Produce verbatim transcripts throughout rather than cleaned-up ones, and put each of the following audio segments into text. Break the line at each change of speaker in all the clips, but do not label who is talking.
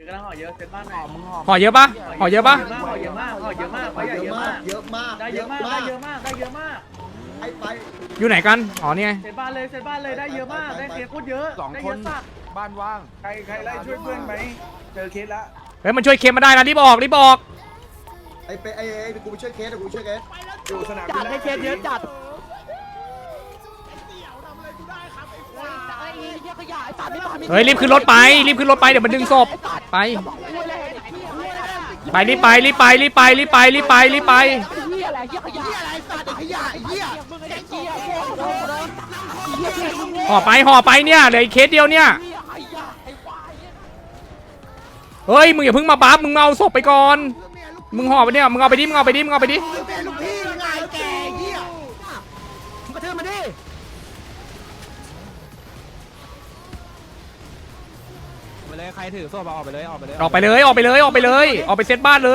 กำลังห่อเยอะเซ็ตบ้านหน่อย
ห่อเยอะปะห่อเยอะปะ
ห่อเยอะมากห่อเยอะมากห่อเยอะมาก
เยอะมาก
ได้เยอะมากได้เยอะมากได้เยอะมาก
ไปไป
อยู่ไหนกันอ๋อนี่ไง
เซ็ตบ้านเลยเซ็ตบ้านเลยได้เยอะมากได้เคสโคตรเยอะ
สอง
ได้
ค
เย
น
อะสัก
บ้านว่างใครใครไล่ช่วยเพื่อนไหมเจอเคสละ
เฮ้ยมันช่วยเคมมาได้นะรีบออกรีบออก
ไอ้ไปไอ้ไอ้กูไปช่วยเคสกูช่วยเคส
อยู่สนาม
จัดให้เคสเยอะจัด
เฮ้ยรีบขึ้นรถไปรีบขึ้นรถไปเดี๋ยวมันดึงศพไปไปรีบไปรีบไปรีบไปรีบไปรีบไปรีบไปห่อไปห่อไปเนี่ยเหลืออีกเคสเดียวเนี่ยเฮ้ยมึงอย่าเพิ่งมาบัฟมึงเอาศพไปก่อนมึงห่อไปเนี่ยมึงเอาไปดิมึงเอาไปดิมึงเอาไปดิ
ลูกพี่ยังไงแกเหี้ยมึงกระเทือมาดิ
ไปเลยใครถือโซ่ออกไปเลยออกไปเลย
ออกไปเลยออกไปเลยออกไปเลยออกไปเซตบ้านเลย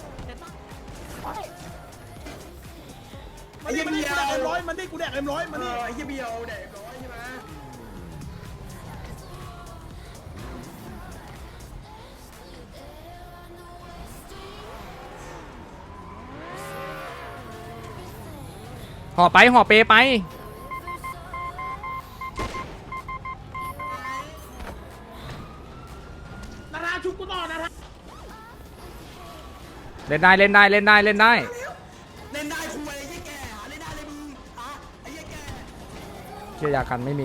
ไอ้เหี้ยเบียวเอ็มร้อยมันได้กูแดกเอ็มร้อยมันนี่ไอ้เหี้ยเบียวแดกเอ็มร้อยใช่ไหม
ห่อไปห่อเปไปนาราชุบกูต่อนะเล่นได้เล่นได้เล่นได้เล่นได้
เล่นได้คุยไอ้เหี้ยแก่เล่นได้เลยมึงฮะไอ้เหี้ยแก่
เชื่อยากันไม่มี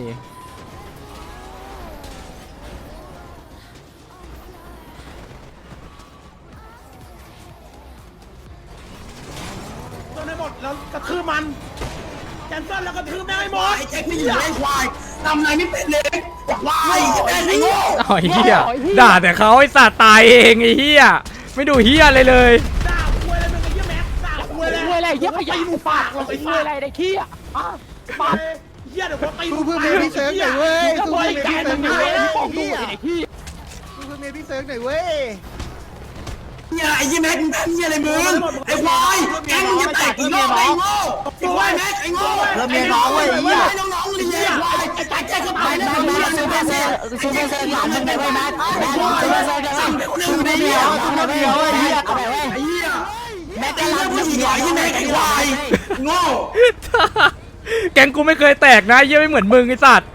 จนให้หมดแล้วกระทืบมันแคนเซิลแล้วกระทืบแม่งให้หมดไอ้แจ็คนี่ไอ้ควายทำอะไรไม่เป็นเลยควายไอ้โง่
อ๋อเฮียด่าแต่เขาไอ้สัตว์ตายเองไอ้เฮียไม่ดูเฮียอะไรเลย
ด่าคุยอะไรมึงไอ้เหี้ยแม็กด่าคุยอะไร
คุยอะไรเยอะขยะปากเราคุยอะไรได้ขี้อ่ะ
ปากเหี้ยเดี๋ยวผมตี
กูเพิ่งมีพี่เซิร์ฟหน่อยเว้ย
ก็
กู
คุย
เพิ่งมี
กั
พี่
น
เซิร์ฟหน่อยเว้ย
ไอ้ขี้
กูเพิ่งมีพี่เซิร์ฟหน่อยเว้ย
เหี้ยไอ้เหี้ยแม็กมึงทำเหี้ยอะไรมึงไอ้ควายแกมึงจะแตกกี่รอบไอ้โง่ไอ้ควายแม็กไอ้โง่
เริ่มเมียน้องเว้ยไอ้เหี้ย
ไอ้น้องๆเลยเหี้ยควายไอ้แจ็คแจ็คก็ตายแล้ว
แม็กซูเปอร์เซลซูเปอร์เซลหลานมึงไปเว้ยแม็กแม็กซูเปอร์เซลจะสั่งซูเปอร์เดียวซูเปอร์เดียวไอ้เหี้ยเอาไปเว้ย
ไอ้เหี้ยแม็กไอ้เรื่องผู้หญิงหน่อยไอ้แม็กไอ้ควายโง่
แกงกูไม่เคยแตกนะเยี่ยไม่เหมือนมึงไอ้สัตว์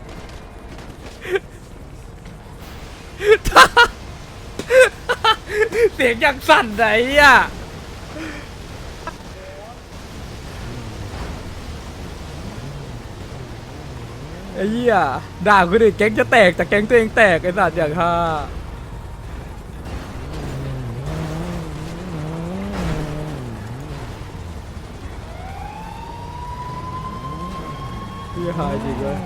เสียงยังสั่นไหนอ่ะไอ้เหี้ยด่าคนอื่นแก๊งจะแตกแต่แก๊งตัวเองแตกไอ้สัตว์อย่างฮ่าเหี้ยหายจริงเลย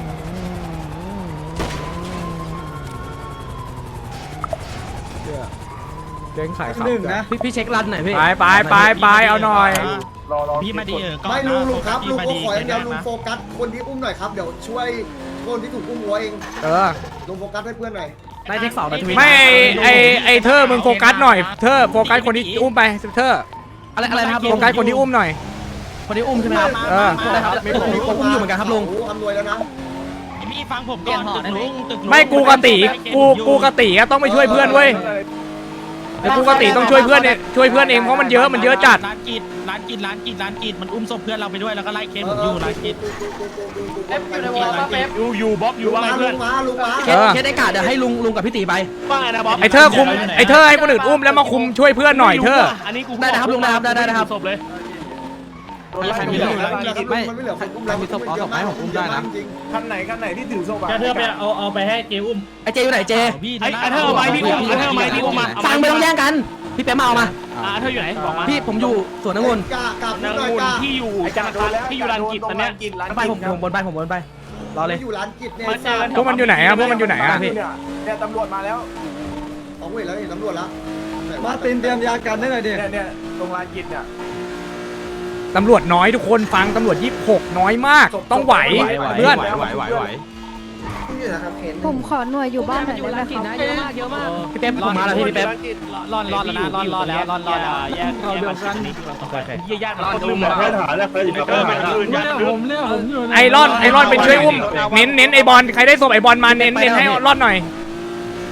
เหี้ยแก๊งขายขับนะ
พี่พี่เช็ครันหน่อยพี่
ไปไปไปไปเอาหน่อย
พี่มาดีเออ
ไม่ลุงลุงครับลุงก็ขออย่างเดียวลุงโฟกัสคนที่อุ้มหน่อยครับเดี๋ยวช่วยคนที่ถูกอุ้มหัวเอง
เออ
ลุงโฟกัสให้เพื่อนหน่อย
ได้เทคสองนาที
ไม่ไอไอเธอมึงโฟกัสหน่อยเธอโฟกัสคนที่อุ้มไปเธอ
อะไรอะไรนะครับ
โฟกัสคนที่อุ้มหน่อย
คนที่อุ้มใช่ไหมครับ
เออ
ได้ครับผมผมอุ้มอยู่เหมือนกันครับลุง
โอ้ทำรวยแล้วนะ
พี่ฟังผมก่อนตึกลุงตึกลุง
ไม่กูกะติกูกูกะติอะต้องไปช่วยเพื่อนเว้ยแต่กูกะติต้องช่วยเพื่อนเนี่ยช่วยเพื่อนเองเพราะมันเยอะมันเยอะจัด
ร้านกิจร้านกิจร้านกิจร้านกิจมันอุ้มศพเพื่อนเราไปด้วยแล้วก็ไล่เคสผมอยู่ร้านกิจ
เอฟอยู่ในวอลป่ะเอฟ
อยู่อยู่บ๊อบอยู่
ลุง
ว่า
มา
ไง
ลุ
เพื่อน
งมาลุงมา
เคสเคสได้กาดเดี๋ยวให้ลุงลุงกับพี่ตีไป
ว่าไงนะบ๊อบ
ไอเธอคุมไอเธอให้คนอื่นอุ้มแล้วมาคุมช่วยเพื่อนหน่อยเธอ
อันนี้กู
ได้นะครับลุงได้ครับได้ได้ครับ
ศพเลย
ใครมีเหลือ
ไม่มันไม่เหลือใครอุ้มแล้ว
มีศพเอาศพไหมผมอุ้มได้นะ
จริง
คันไหนคันไหนที่ถือโซ่
จะเธอไปเอาเอาไปให้เจอุ้ม
ไอเจอยู่ไหนเจ
พี่ไอ้เธอเอาไปพี่อุ้มไอ้เธอเอาไปพี่อุ้มมา
ฟังไม่ต้องแย่งกันพี่เป๊ะมาเอามา
อ่าเธออยู่ไหนบอกมา
พี่ผมอยู่สวนองุ่น
กล้ากล้าพู
นา
ด
ง
หน่อย
มูล
กล้า
ที่อยู่ธนาคารที่อยู่ร้านกิจตอนเนี้ย
ไปผมผมบนไปผมบนไปรอเลย
อยู่ร้านกิจเนี่ย
มาเจอกัน
พวกมันอยู่ไหนอะพวกมันอยู่ไหนอะ
พี่
เนี่ยตำรวจมาแล้ว
เอาเว้ยแล้วนี่ตำรวจแล้ว
มาตินเตรียมยากันได้หน่อยดิ
เนี่ยเนี่ยตรงร้านกินเนี่ย
ตำรวจน้อยทุกคนฟังตำรวจยี่สิบหกน้อยมากต้องไหวเพื่อน
ไหวไหวไหว
ผมขอหน่วยอยู่บ้านหน่อยได้ไหมครับ
เยอะมากเยอะมาก
พี่เป๊ะผมมาแล้วพี่พี่เป๊ะ
รอดรอดแล้วนะรอดรอดแล้วรอดรอดแล้วแยกแยกกันนี้เยี่ยยากมันลืมเลย
ผมเนี่ยผมอยู่
ไอรอนไอรอนเป็นช่วยอุ้มเน้นเน้นไอบอลใครได้ศพไอบอลมาเน้นเน้นให้รอดหน่อย
ถ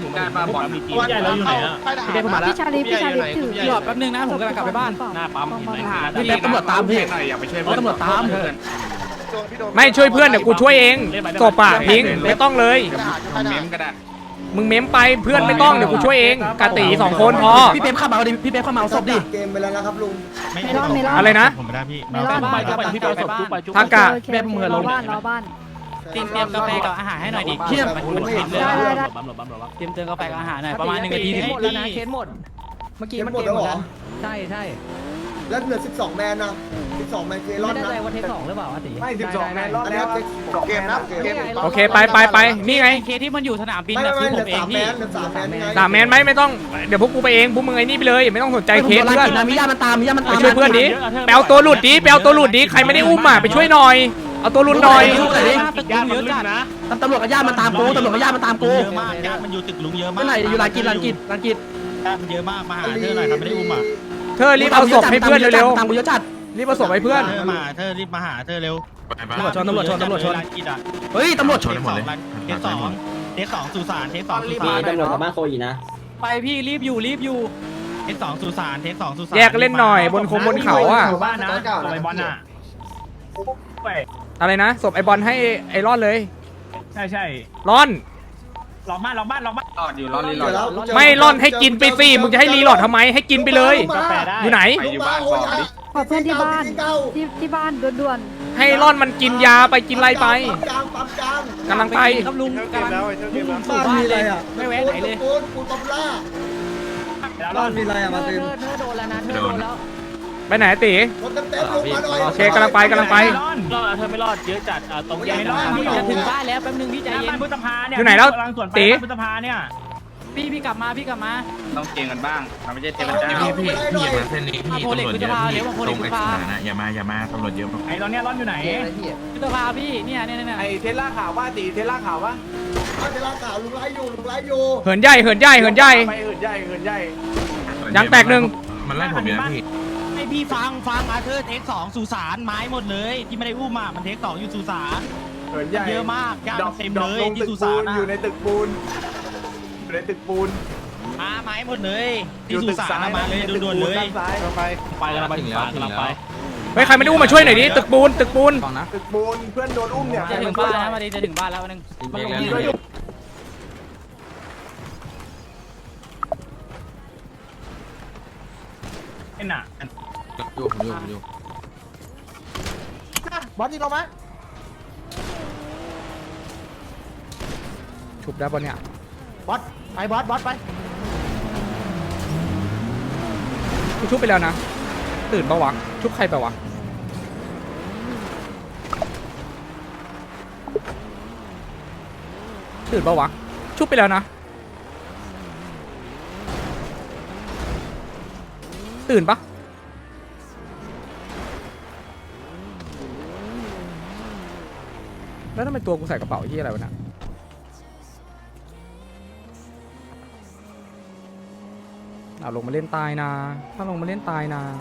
การมาบอลมีทีมใหญ่เราอยู่ไหนอ่ะ
พี่เป๊ปมาแล้ว
พี่ชาลีพี่ชาลีถือ
หยอดแป๊บนึงนะผมกำลังกลับไปบ้าน
หน้าปั๊มเห็นไหม
พี่เป๊ปตำรวจตามพี่ตำรวจตาม
ไม่ช่วยเพื่อนเดี๋ยวกูช่วยเองศพอะพิงไม่ต้องเลย
เมมก็ได้
มึงเม้มไปเพื่อนไม่ต้องเดี๋ยวกูช่วยเองกาตีสองคนพอ
พี่เป๊ปเข้ามาเอาดิพี่เป๊ปเข้ามาเอาศพดิ
เกมไปแล้วนะครับลุง
ไม่รอดไม่รอด
อะไรนะ
ผมไม่ได้พี่
ไม่รอด
ไปจะไปพี่ไปศพจุ๊บไปจุ๊บ
ทากะ
เป๊ปมือลงบ้านรอบ้าน
เตรียมเตรียมกาแฟกับอาหารให้หน่อยดิ
เที่ยง
ได้ได้ได้
ปั๊มหลบปั๊มหลบปั๊ม
เตรียมเตรียมกาแฟกับอาหารหน่อยประมาณหนึ่งนาที
เคสหมดแล้วนะเคสหมด เมื่อกี้มันเกมหมดแล้วใช่ใช่
แล้วเหลือสิบสองแมนนะสิบสองแมนเกลอ
ไม่
น
แน่
นะ
ใจว่าเทคสองหรือเปล่าอาติ
ไม่สิบสองแมนรอด
อัน
แล้
นี้
ว
เกมนะเกม
โอเคไปไปไปนี่ไง
เคที่มันอยู่สนามบิน
ไม่
นะ
ไม่
คือ
เห
ผ
ลื
ม
อ
เอง
สามแม
พี่
นเหลือสามแมนไง
สามแมนไหมไม่ต้องเดี๋ยวพวกกูไปเองพวกมึงไอ้นี่ไปเลยไม่ต้องสนใจเคสเพื่อน
นะมีญาติมันตามมีญาติมัน
ไป
ตาม
ช่วยเพื่อนดิไปเอาตัวหลุดดิไปเอาตัวหลุดดิใครไม่ได้อุ้มอ่ะไปช่วยหน่อยเอาตัวหลุดหน่อย
ตึกลุงเยอะจัดนะ
ตำรวจกับญาติมันตามกูตำรวจกับญาติมันตามกู
เยอะมากญาติมันอยู่ตึกลุงเยอะมาก
เมื่อไหร่อยู่ลานกินลานกินลานกิน
ญาติมันเยอะมากมาหาเธอหน่อยทำไม่ได้อุ้มอ่ะ
เธอรีบเอาศพให้เพื่อนเร็ว
ตามกูเยอะจัด
ๆรีบเอาศพให้เพื่อน
เธอมาเธอรีบมาหาเธอเร็ว
ตำรวจชนตำรวจชนตำรวจชน
กินอ่ะ
เฮ้ยตำรวจช
เท
น
สสองเทสสองเทสสองสุสานเทสสองสุสาน
ตำรวจกับบ้านโคอีนะ
ไปพี่รีบอยู่รีบอยู่
เทสสองสุสานเทสสองสุสาน
แยกเล่นหน่อยบนคงบนเขาอ่ะ
บ้านนะไปบอลน่ะ
อะไรนะศพไอบอลให้ไอรอนเลย
ใช่ใช่
รอน
ลองบ้านลองบ้านลองบ้าน
เจอแล้ว
ไม่รอนให้กินไปสิมึงจะให้รีโหลดทำไมให้กินไปเลย อยู่ไหน
อยู่บ้านก่อนดิ
ขอเพื่อนที่บ้านที่ที่บ้านด่วน
ให้รอนมันกินยาไปกินอะไรไป
ปั๊มกลางปั๊มกลาง
กำลังไป
ครับลุงกำลังมุ่งสู่
บ้าน
บ้าน
มี
เล
อะไร
ย
อ่ะ
ไม่แวะไหนเลย
ปูนปูนปั๊มล่า
บ้านมีอะไร
เธ
อ่ะมา
อ
ติน
เธอโดนแล้วนะเธอโดนแล้ว
ไปไหนตี
รถเต็มเต็มลงมาหน่อย
โอเคกำลังไปกำลังไป
รอดเธอไม่รอดเยอะจัดตรงแยก
พี่จะถึงบ้านแล้วแป๊บนึงพี่ใจเย็
บ้าน
น
พุทธภาเนี่ย
อยู่ไหนแล้ว
กำลังสวนไป
ตี
บ้านพุทธภาเนี่ย
พี่พี่กลับมาพี่กลับมา
ต้องเก่งกันบ้างมันไม่ใช่เทพ
เอา
เจ้า
เอาไปได้หน่อย
เส้นนี้พี่
มาโพ
ตำ
เล็ก
รวจ
พุท
เย
ธ
อะ
ภา
พี่
เดี๋ยวมาโพ
ต
เล็
ร
ก
ง
พุท
ไอ้
ธภา
สถานะอย่ามาอย่ามาตำรวจเยอะมาก
ไอ้ตอนเนี้ยร้อนอยู่ไหน
พุทธภาพี่เนี่ยเนี่ยเนี่ย
ไอเทสลาขาวว่าตีเทสลาขาวว่า
เอาเวลาข่าวลุงไล่อยู่ลุงไล่อยู่
เหินใหญ่เหินใหญ่เหินใหญ่
ไปหื่นใหญ่หื่นใหญ่
ยางแตกหนึ่ง
มันไล่ผมอยู่นะพี่
ให้พี่ฟังฟังอาเธอร์เทคสองสุสานไม้หมดเลยที่ไม่ได้อุ้มอ่ะมันเทคสองอยู่สุสาน
หื่นใหญ่
เยอะมากญาติ
ดอ
มัน
ก
เต็ม
ด
เล
อก
ย
ลง
ที่
ตึก
สุ
ปู
สาน
น
อ่ะ
อยู่ในตึกปูนอยู่ในตึกปูน
มาไม้หมดเลยที่สุสานอะมาเลยด่วนๆเลย
ด้านซ้ายไป
ไปกันไปถึงแล้วกำลังไป
เฮ้ยใครไม่ได้อุ้มมาช่วยหน่อยดิตึกปูนตึกปูน
ตึกปูนเพื่อนโดนอุ้มเนี่ย
จะถึงบ้านแล้วมาดีจะถึงบ้านแล้วนึงมันลงที่ด้วย
เอ็นอ่ะ
อยู่ผมอยู่ผมอยู่
บอลยิงเราไหม
ฉุบได้ปะเนี่ย
บอสไปบอสบอสไป
กูชุบไปแล้วนะตื่นปะวะชุบใครไปวะตื่นปะวะชุบไปแล้วนะตื่นปะแล้วทำไมตัวกูใส่กระเป๋าที่อะไรวะเนี่ยเอาลงมาเล่นตายนะถ้าลงมาเล่นตายนะ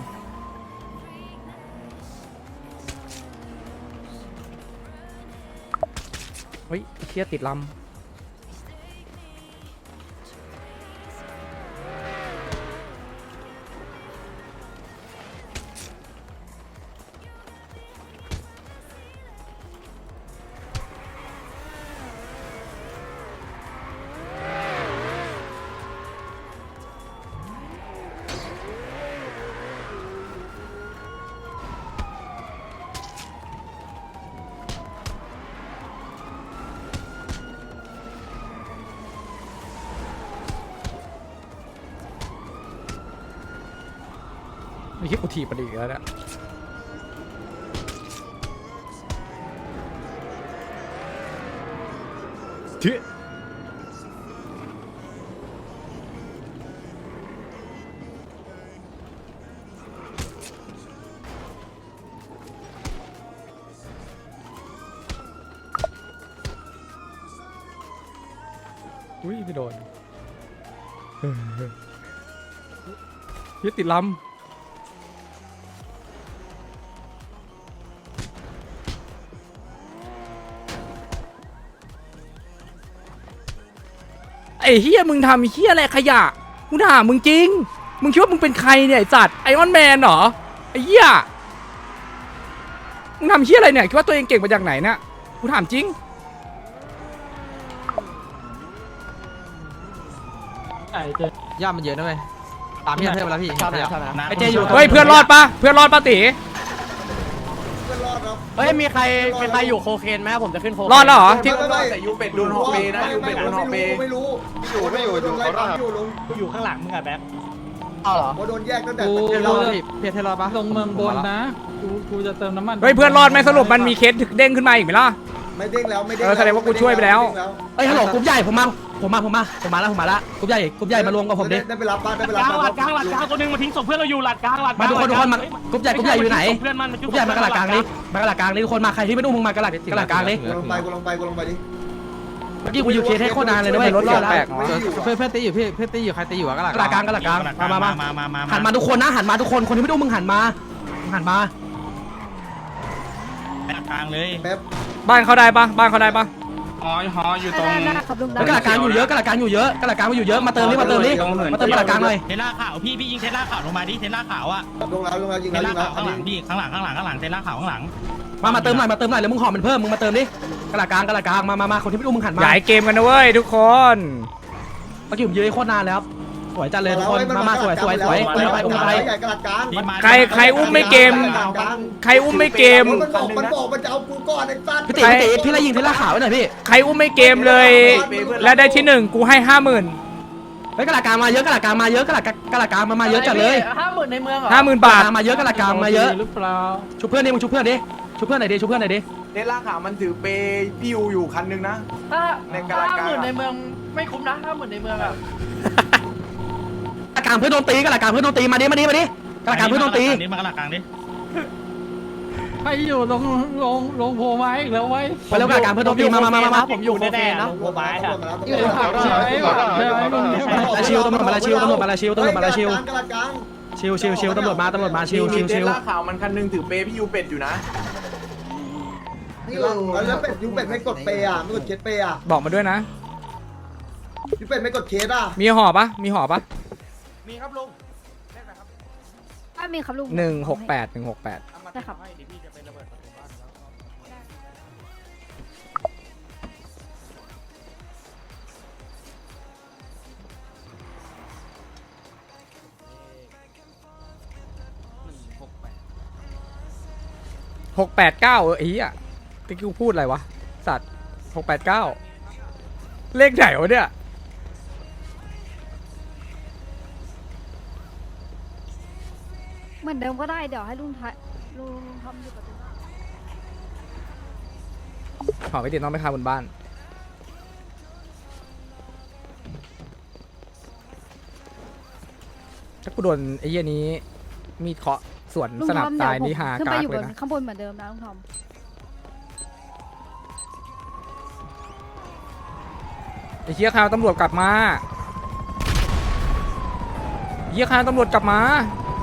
เฮ้ยเชี่ยติดลำไม่คิดกูถีบมันอีกแล้วเนี่ยที่อุ้ยไม่โดนยึดติดลำไอ้อ้เฮียมึงทำเฮียอะไรขยะกูถามมึงจริงมึงคิดว่ามึงเป็นใครเนี่ยไอ้สัตว์ไอออนแมนเหรอไอ้เฮียมึงทำเฮียอะไรเนี่ยคิดว่าตัวเองเก่งมาจากไหนเนี่ยกูถามจริง
ย่ามันเยอะนะเว้ยตามพี่เทพมาแล้วพี่ไอเจอยู่
เฮ้ยเพื่อนรอดปะเพื่อนรอดปะตี
เฮ้ยมีใครมีใครอยู่โคเคนไหมผมจะขึ้นโค
รอดแล้วเหรอที่
แต่ยูเป็ดโดนหอกเปนะยูเป็ดโดนหอกเปไม่รู้อยู่ไม่อยู่อยู่เขาอยู่ลง
กูอยู่ข้างหลังมึงอะแบ๊บ
เอาเหรอ
โดนแยกตั้งแต่
เทรอดพี่เทรอดปะ
ลงเมืองบนนะกูกูจะเติมน้ำมัน
เฮ้ยเพื่อนรอดไหมสรุปมันมีเคสถึกเด้งขึ้นมาอีกไหมล่ะ
ไม่เด้งแล้วไม่เด้ง
เออแสดงว่ากูช่วยไปแล้ว
เฮ้ยฮัลโหลกรุ๊ปใหญ่ผมมาผมมาผมมาผมมาแล้วผมมาแล้วกรุ๊ปใหญ่กรุ๊ปใหญ่มารวมกับผมดิ
ได้ไปรับบ้านได้ไป
ก
รับ
ลางหลัดกลางหลัดกลางตัวนึงมาทิ้งศพเพื่อนเราอยู่หลัดกลางหลัด
มาทุกคนทุกคนมากรุ๊ปใหญ่กรุ๊ปใหญ่อยู่ไหน
เพื่อนมัน
กรุ๊ปใหญ่มากระหลักกลางนี้มากระหลักกลางนี้ทุกคนมาใครที่ไม่ดูมึงมากระหลักกระหลักกลางนี้
กูลงไปกูลงไปกูลงไปดิ
เมื่อกี้กูอยู่เคสให้โคตรนานเลยนะเว้ย
รถ
รอดแล้ว
แปลก
เพื่อนเพื่อนตีอยู่พี่เพื่อนตีอยู่ใครตีอยู่กระหลักกลางกระหลักกลางมามามา
มามา
หันมาทุกคนนะหันมาทุกคนคนที่ไม่ดูมึงหันมาหันมา
กลางเลย
แป๊บ
บ้านเขาได้ปะบ้านเขาได้ปะ
หอหออยู่ตรง
ได้ได้ครับลุงได้
กระหลักกลางอยู่เยอะกระหลักกลางอยู่เยอะกระหลักกลางอยู่เยอะมาเติมนี่มาเติมนี่มาเติมกระหลักกลางหน่อย
เทล่าขาวพี่พี่ยิงเทล่าขาวลงมาดิเทล่าขาวอะ
ลงแล้วลงแล้วยิง
เท
แล้ว
ล่า
ยิงแล้ว
ขาวข้างหลังพี่ข้างหลังข้างหลังข้างหลังเทล่าขาวข้างหลัง
มามาเติมหน่อยมาเติมหน่อยแล้วมึงหอมมันเพิ่มมึงมาเติมดิกระหลักกลางกระหลักกลางมามามาคนที่ไม่ดูมึงหันมา
ใหญ่เกมกันนะเว้ยทุกคน
เมื่อกี้ผมยืนโคตรนานแล้วสวยจัดเลยทุกคนมามาสวยสวยสวยอุ้มไปอุ้มไป
ใหญ่กระดาษกลาง
ใครใครอุ้มไม่เกม ใครอุ้มไม่เกม
มันบอกมันบอกมันจะเอากูก่อนไอ้สัตว์
พี่ตีพี่ตีพี่ไล่ยิงพี่ไล่ขาวไว้หน่อยพี่
ใครอุ้มไม่เกมเลย และได้ที่หนึ่งกูให้ห้าหมื่น
เฮ้ยกระหลักกลางมาเยอะกระหลักกลางมาเยอะกระหลักกระหลักกลางมามาเยอะจัดเลย
ห้าหมื่นในเมืองเหรอ
ห้าหมื่นบาท
มาเยอะกระหลักกลางมาเยอะ
หรือเปล่า
ชุบเพื่อนดิมึงชุบเพื่อนดิชุบเพื่อนหน่อยดิชุบเพื่อนหน่อยดิ
เนล่าขาวมันถือเปย์พี่ยูอยู่คันนึงนะ
ถ้า
ในกระดาษกลาง
ห้าหมื่นในเมืองไม่คุ้มนะห้าหมื่นในเมืองอะ
กระหลักกลางเพื่อนโดนตีกระหลักกลางเพื่อนโดนตีมาดิมาดิมาดิกระหลักกลางเพื่อนโดนตี
นี่มากระหลักกลางดิ
ใครอยู่ลงลงลงโพไม้แล้วไว้
ไปแล้วกระหลักกลางเพื่อนโดนตีมามามามา
ผมอยู่โคเคนนะ
หัวไม้อะ
อยู่ในผักใช่ไหมใช่ไหมมึง
ลาชิวตำรวจมาลาชิวตำรวจมาลาชิวตำรวจมาลาชิว
กระดาษกลาง
ชิวชิวชิวตำรวจมาตำรวจมาชิวชิวชิว
เนล่าขาวมันคันนึงถือเปย์พี่ยูเป็ดอยู่นะแล้วเป็ดยูเป็ดไม่กดเปย์อ่ะไม่กดเคสเปย์อ่ะ
บอกมาด้วยนะ
ยูเป็ดไม่กดเคสอ่ะ
มีห่อปะมีห่อปะ
มีครับลุง
ถ้ามีครับลุง
หนึ่งหกแปดหนึ่งหกแปด
ได้ครับ
หกแปดเก้าเออไอ้เหี้ยตะกี้กูพูดอะไรวะสัตว์หกแปดเก้าเลขไหนวะเนี่ย
เหมือนเดิมก็ได้เดี๋ยวให้ลุงทายลุงทำอยู่กับตัว
ห่อไปติดน้องไปคาบนบ้านถ้ากูโดนไอ้เหี้ยนี้มีดเคาะสวน
ลุง
สนับ
ทอม
ตาย
เดี๋
นี่
ยวผม
หา
ขึ้นไป
กาก
อยู่
เล
บ
ย
น
นะ
ข้างบนเหมือนเดิมนะลุงทอม
ไอ้เหี้ยคาวตำรวจกลับมาเหี้ยคาวตำรวจกลับมา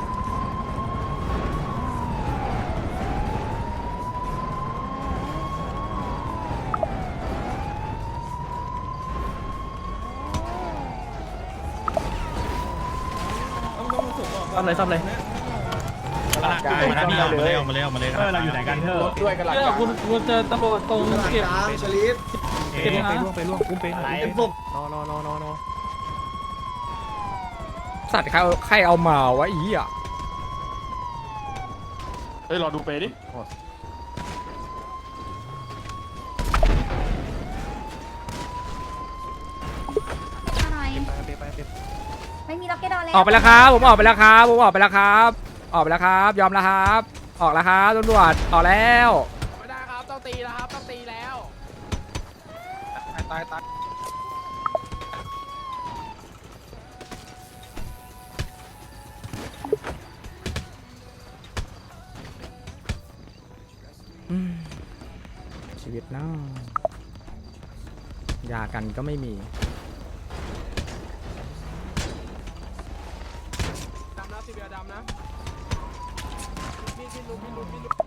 ซ่อมเลยซ่อมเลย
กระหลักกลางมาพี่เอามาเลยเอามาเลยเอามาเลยเราอยู่ไหนกันเถ
ร
อะ
ถด้วยกระดาษ
เอก อ
ลาง
คุณคุณเจอตำรวจตรง
กระดาษ
เก็บ
กลางชลิฟ
เก็บนะ
ไปล่วงกุ้มเป็น
เต็มศพ
นอนนอนนอนน
สัตว์ใครเอาใครเอามาวะอีอ่ะ
เฮ้ยรอดูเปย์ดิ
อะไรไม่มีล็อกเก็ตดอลแล้ว
ออกไปแล้วครับผมออกไปแล้วครับผมออกไปแล้วครับ ออกไปแล้วครับ ยอมแล้วครับ ออกแล้วครับตำรวจออกแล้วไม่ได้ครับต้องตีแล้วครับต้องตีแล้วตายตายชีวิตน่ายากันก็ไม่มีดำนะสีเบียดำนะพี่พี่ลุกพี่ลุกพี่ลุก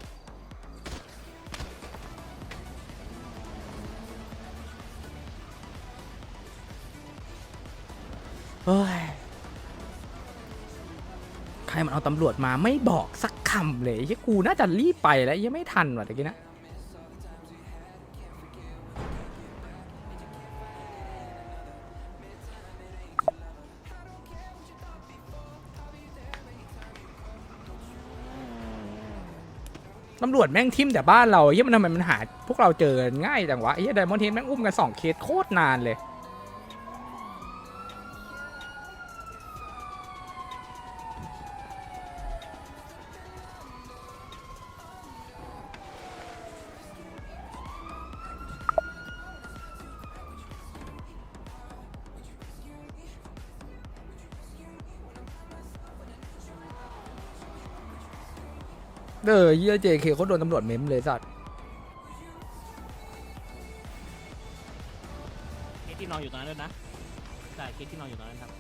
ฮ้ยใครมันเอาตำรวจมาไม่บอกสักคำเลยไอ้กูน่าจะรีบไปแล้วยังไม่ทันว่ะตะกี้นะตำรวจแม่งทิมแต่บ้านเราเฮ้ยมันทำไมมันหาพวกเราเจอง่ายจังวะไอ้เหี้ยไดมอนด์เฮดแม่งอุ้มกันสองเคสโคตรนานเลยเออเหี้ยเจเคเขาโดนตำรวจเม้มเลยสัตว์
เคสที่นอนอยู่ตรงนั้นด้วยนะใช่เคสที่นอนอยู่ตรงนั้นครับ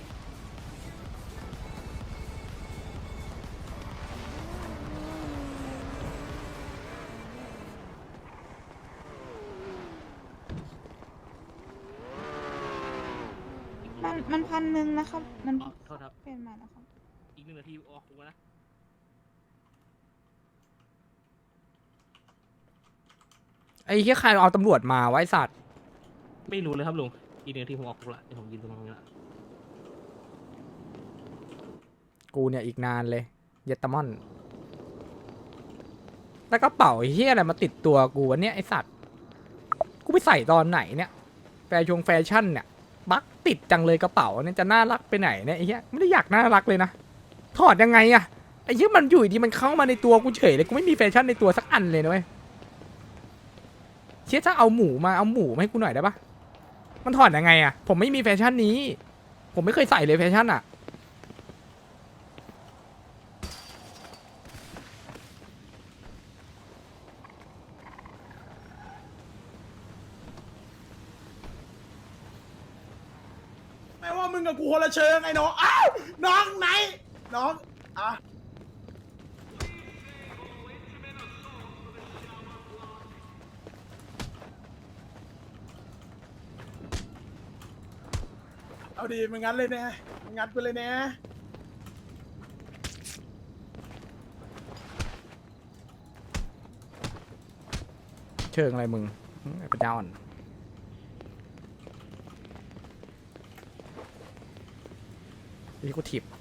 มันมันพันหนึ่งนะครับ มัน
อ๋อโทษครับ
เปลี่ยนใหม่แล้วครับ
อีกหนึ่งนาทีออกกูนะ
ไอ้เหี้ยใครเอาตำรวจมาไว้สัตว์
ไม่รู้เลยครับลุงอีกหนึ่งนาทีผมออกกูละเดี๋ยวผมยืนตรงนี้ละ
กูเนี่ยอีกนานเลยเยตามอนแล้วกระเป๋าไอ้เหี้ยอะไรมาติดตัวกูวันเนี้ยไอ้สัตว์กูไปใส่ตอนไหนเนี่ยแฟชั่นแฟชั่นเนี่ยบักติดจังเลยกระเป๋าเนี่ยจะน่ารักไปไหนเนี่ยไอ้เหี้ยไม่ได้อยากน่ารักเลยนะถอดยังไงอะไอ้เหี้ยมันอยู่ดีมันเข้ามาในตัวกูเฉยเลยกูไม่มีแฟชั่นในตัวสักอันเลยนะเว้ยเชี่ยถ้าเอาหมูมาเอาหมูมาให้กูหน่อยได้ปะมันถอดยังไงอะผมไม่มีแฟชั่นนี้ผมไม่เคยใส่เลยแฟชั่นอะ
ไม่ว่ามึงกับกูคนละเชิงไอ้น้องอ้าวน้องไหนน้องอ่ะเอาดีมึงงั้นเลยแน่มึงงัดไปเลยแน่
เชิงอะไรมึงเป็นดาวน์นี่กูถีบ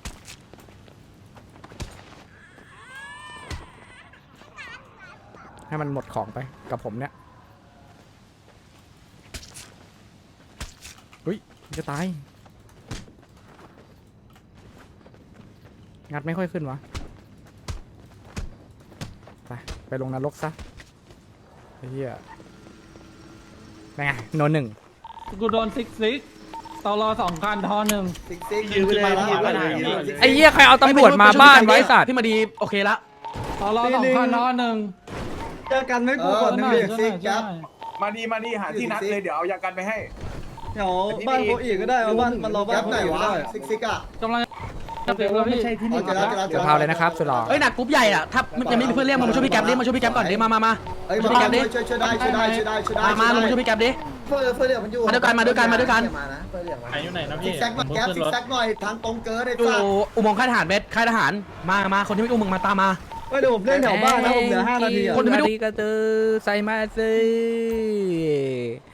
ให้มันหมดของไปกับผมเนี่ยอุ้ยจะตายงัดไม่ค่อยขึ้นวะไปไปลงนรกซะไอ้เหี้ยไงโนหนึ่ง
กูโดนซิกซิกตอรอสองคันทอหนึ่ง
ยืนขึ้นมาแล้ว
ไอ้เหี้ยใครเอาตำรวจมาบ้านไว้สัตว์
พี่มาดีโอเคละ
ตอรอสองคันทอหนึ่ง
เจอกันไม่กูก่อนนึงเรียกซิกครับ
มาดีมาดีหาที่นัดเลยเดี๋ยวเอายากันไปให้
เดี๋ยวบ้านโคอีก็ได้บ้านมันรอบ้านโคอีก็ได้ซิกซิกอ่ะ
กำลังจะเปลี่ยนแล้วพี่
เจอแล้วเจอแล้ว
เดี๋ยวพาวเลยนะครับสุดหล่อ
เอ้ยหนักกรุ๊ปใหญ่อะถ้ายังไม่มีเพื่อนเรียกมามาช่วยพี่แก๊ปดิมาช่วยพี่แก๊ปก่อนดิมามามา
เอ้ยมาช่วยช่วยได้ช่วยได้ช่วยได้ช่วยได้
มามามาช่วยพี่แก๊ปดิ
เฟื่อเฟื่อเดี๋ยวมันอยู่
มาด้วยกันมาด้วยกันมาด้วยกัน
มานะเฟื่อเดี๋ยวมา
ใครอยู่ไหนนะ
ซิ
พี่
กแซกหน่อยแก๊ปซิกแซกหน่อยทางตรงเกินไอ้
อยู่
สัส
อุโมงค์ค่ายทหารเบสค่ายทหารมามาคนที่ไม่อุ้มมึงมาตามมา
เฮ้ยเดี๋ยวผมเล่นแถวบ้านนะผมเหลือห้านาทีอ่ะ
คนที่ไม่ดูกระตือใส่มาสิ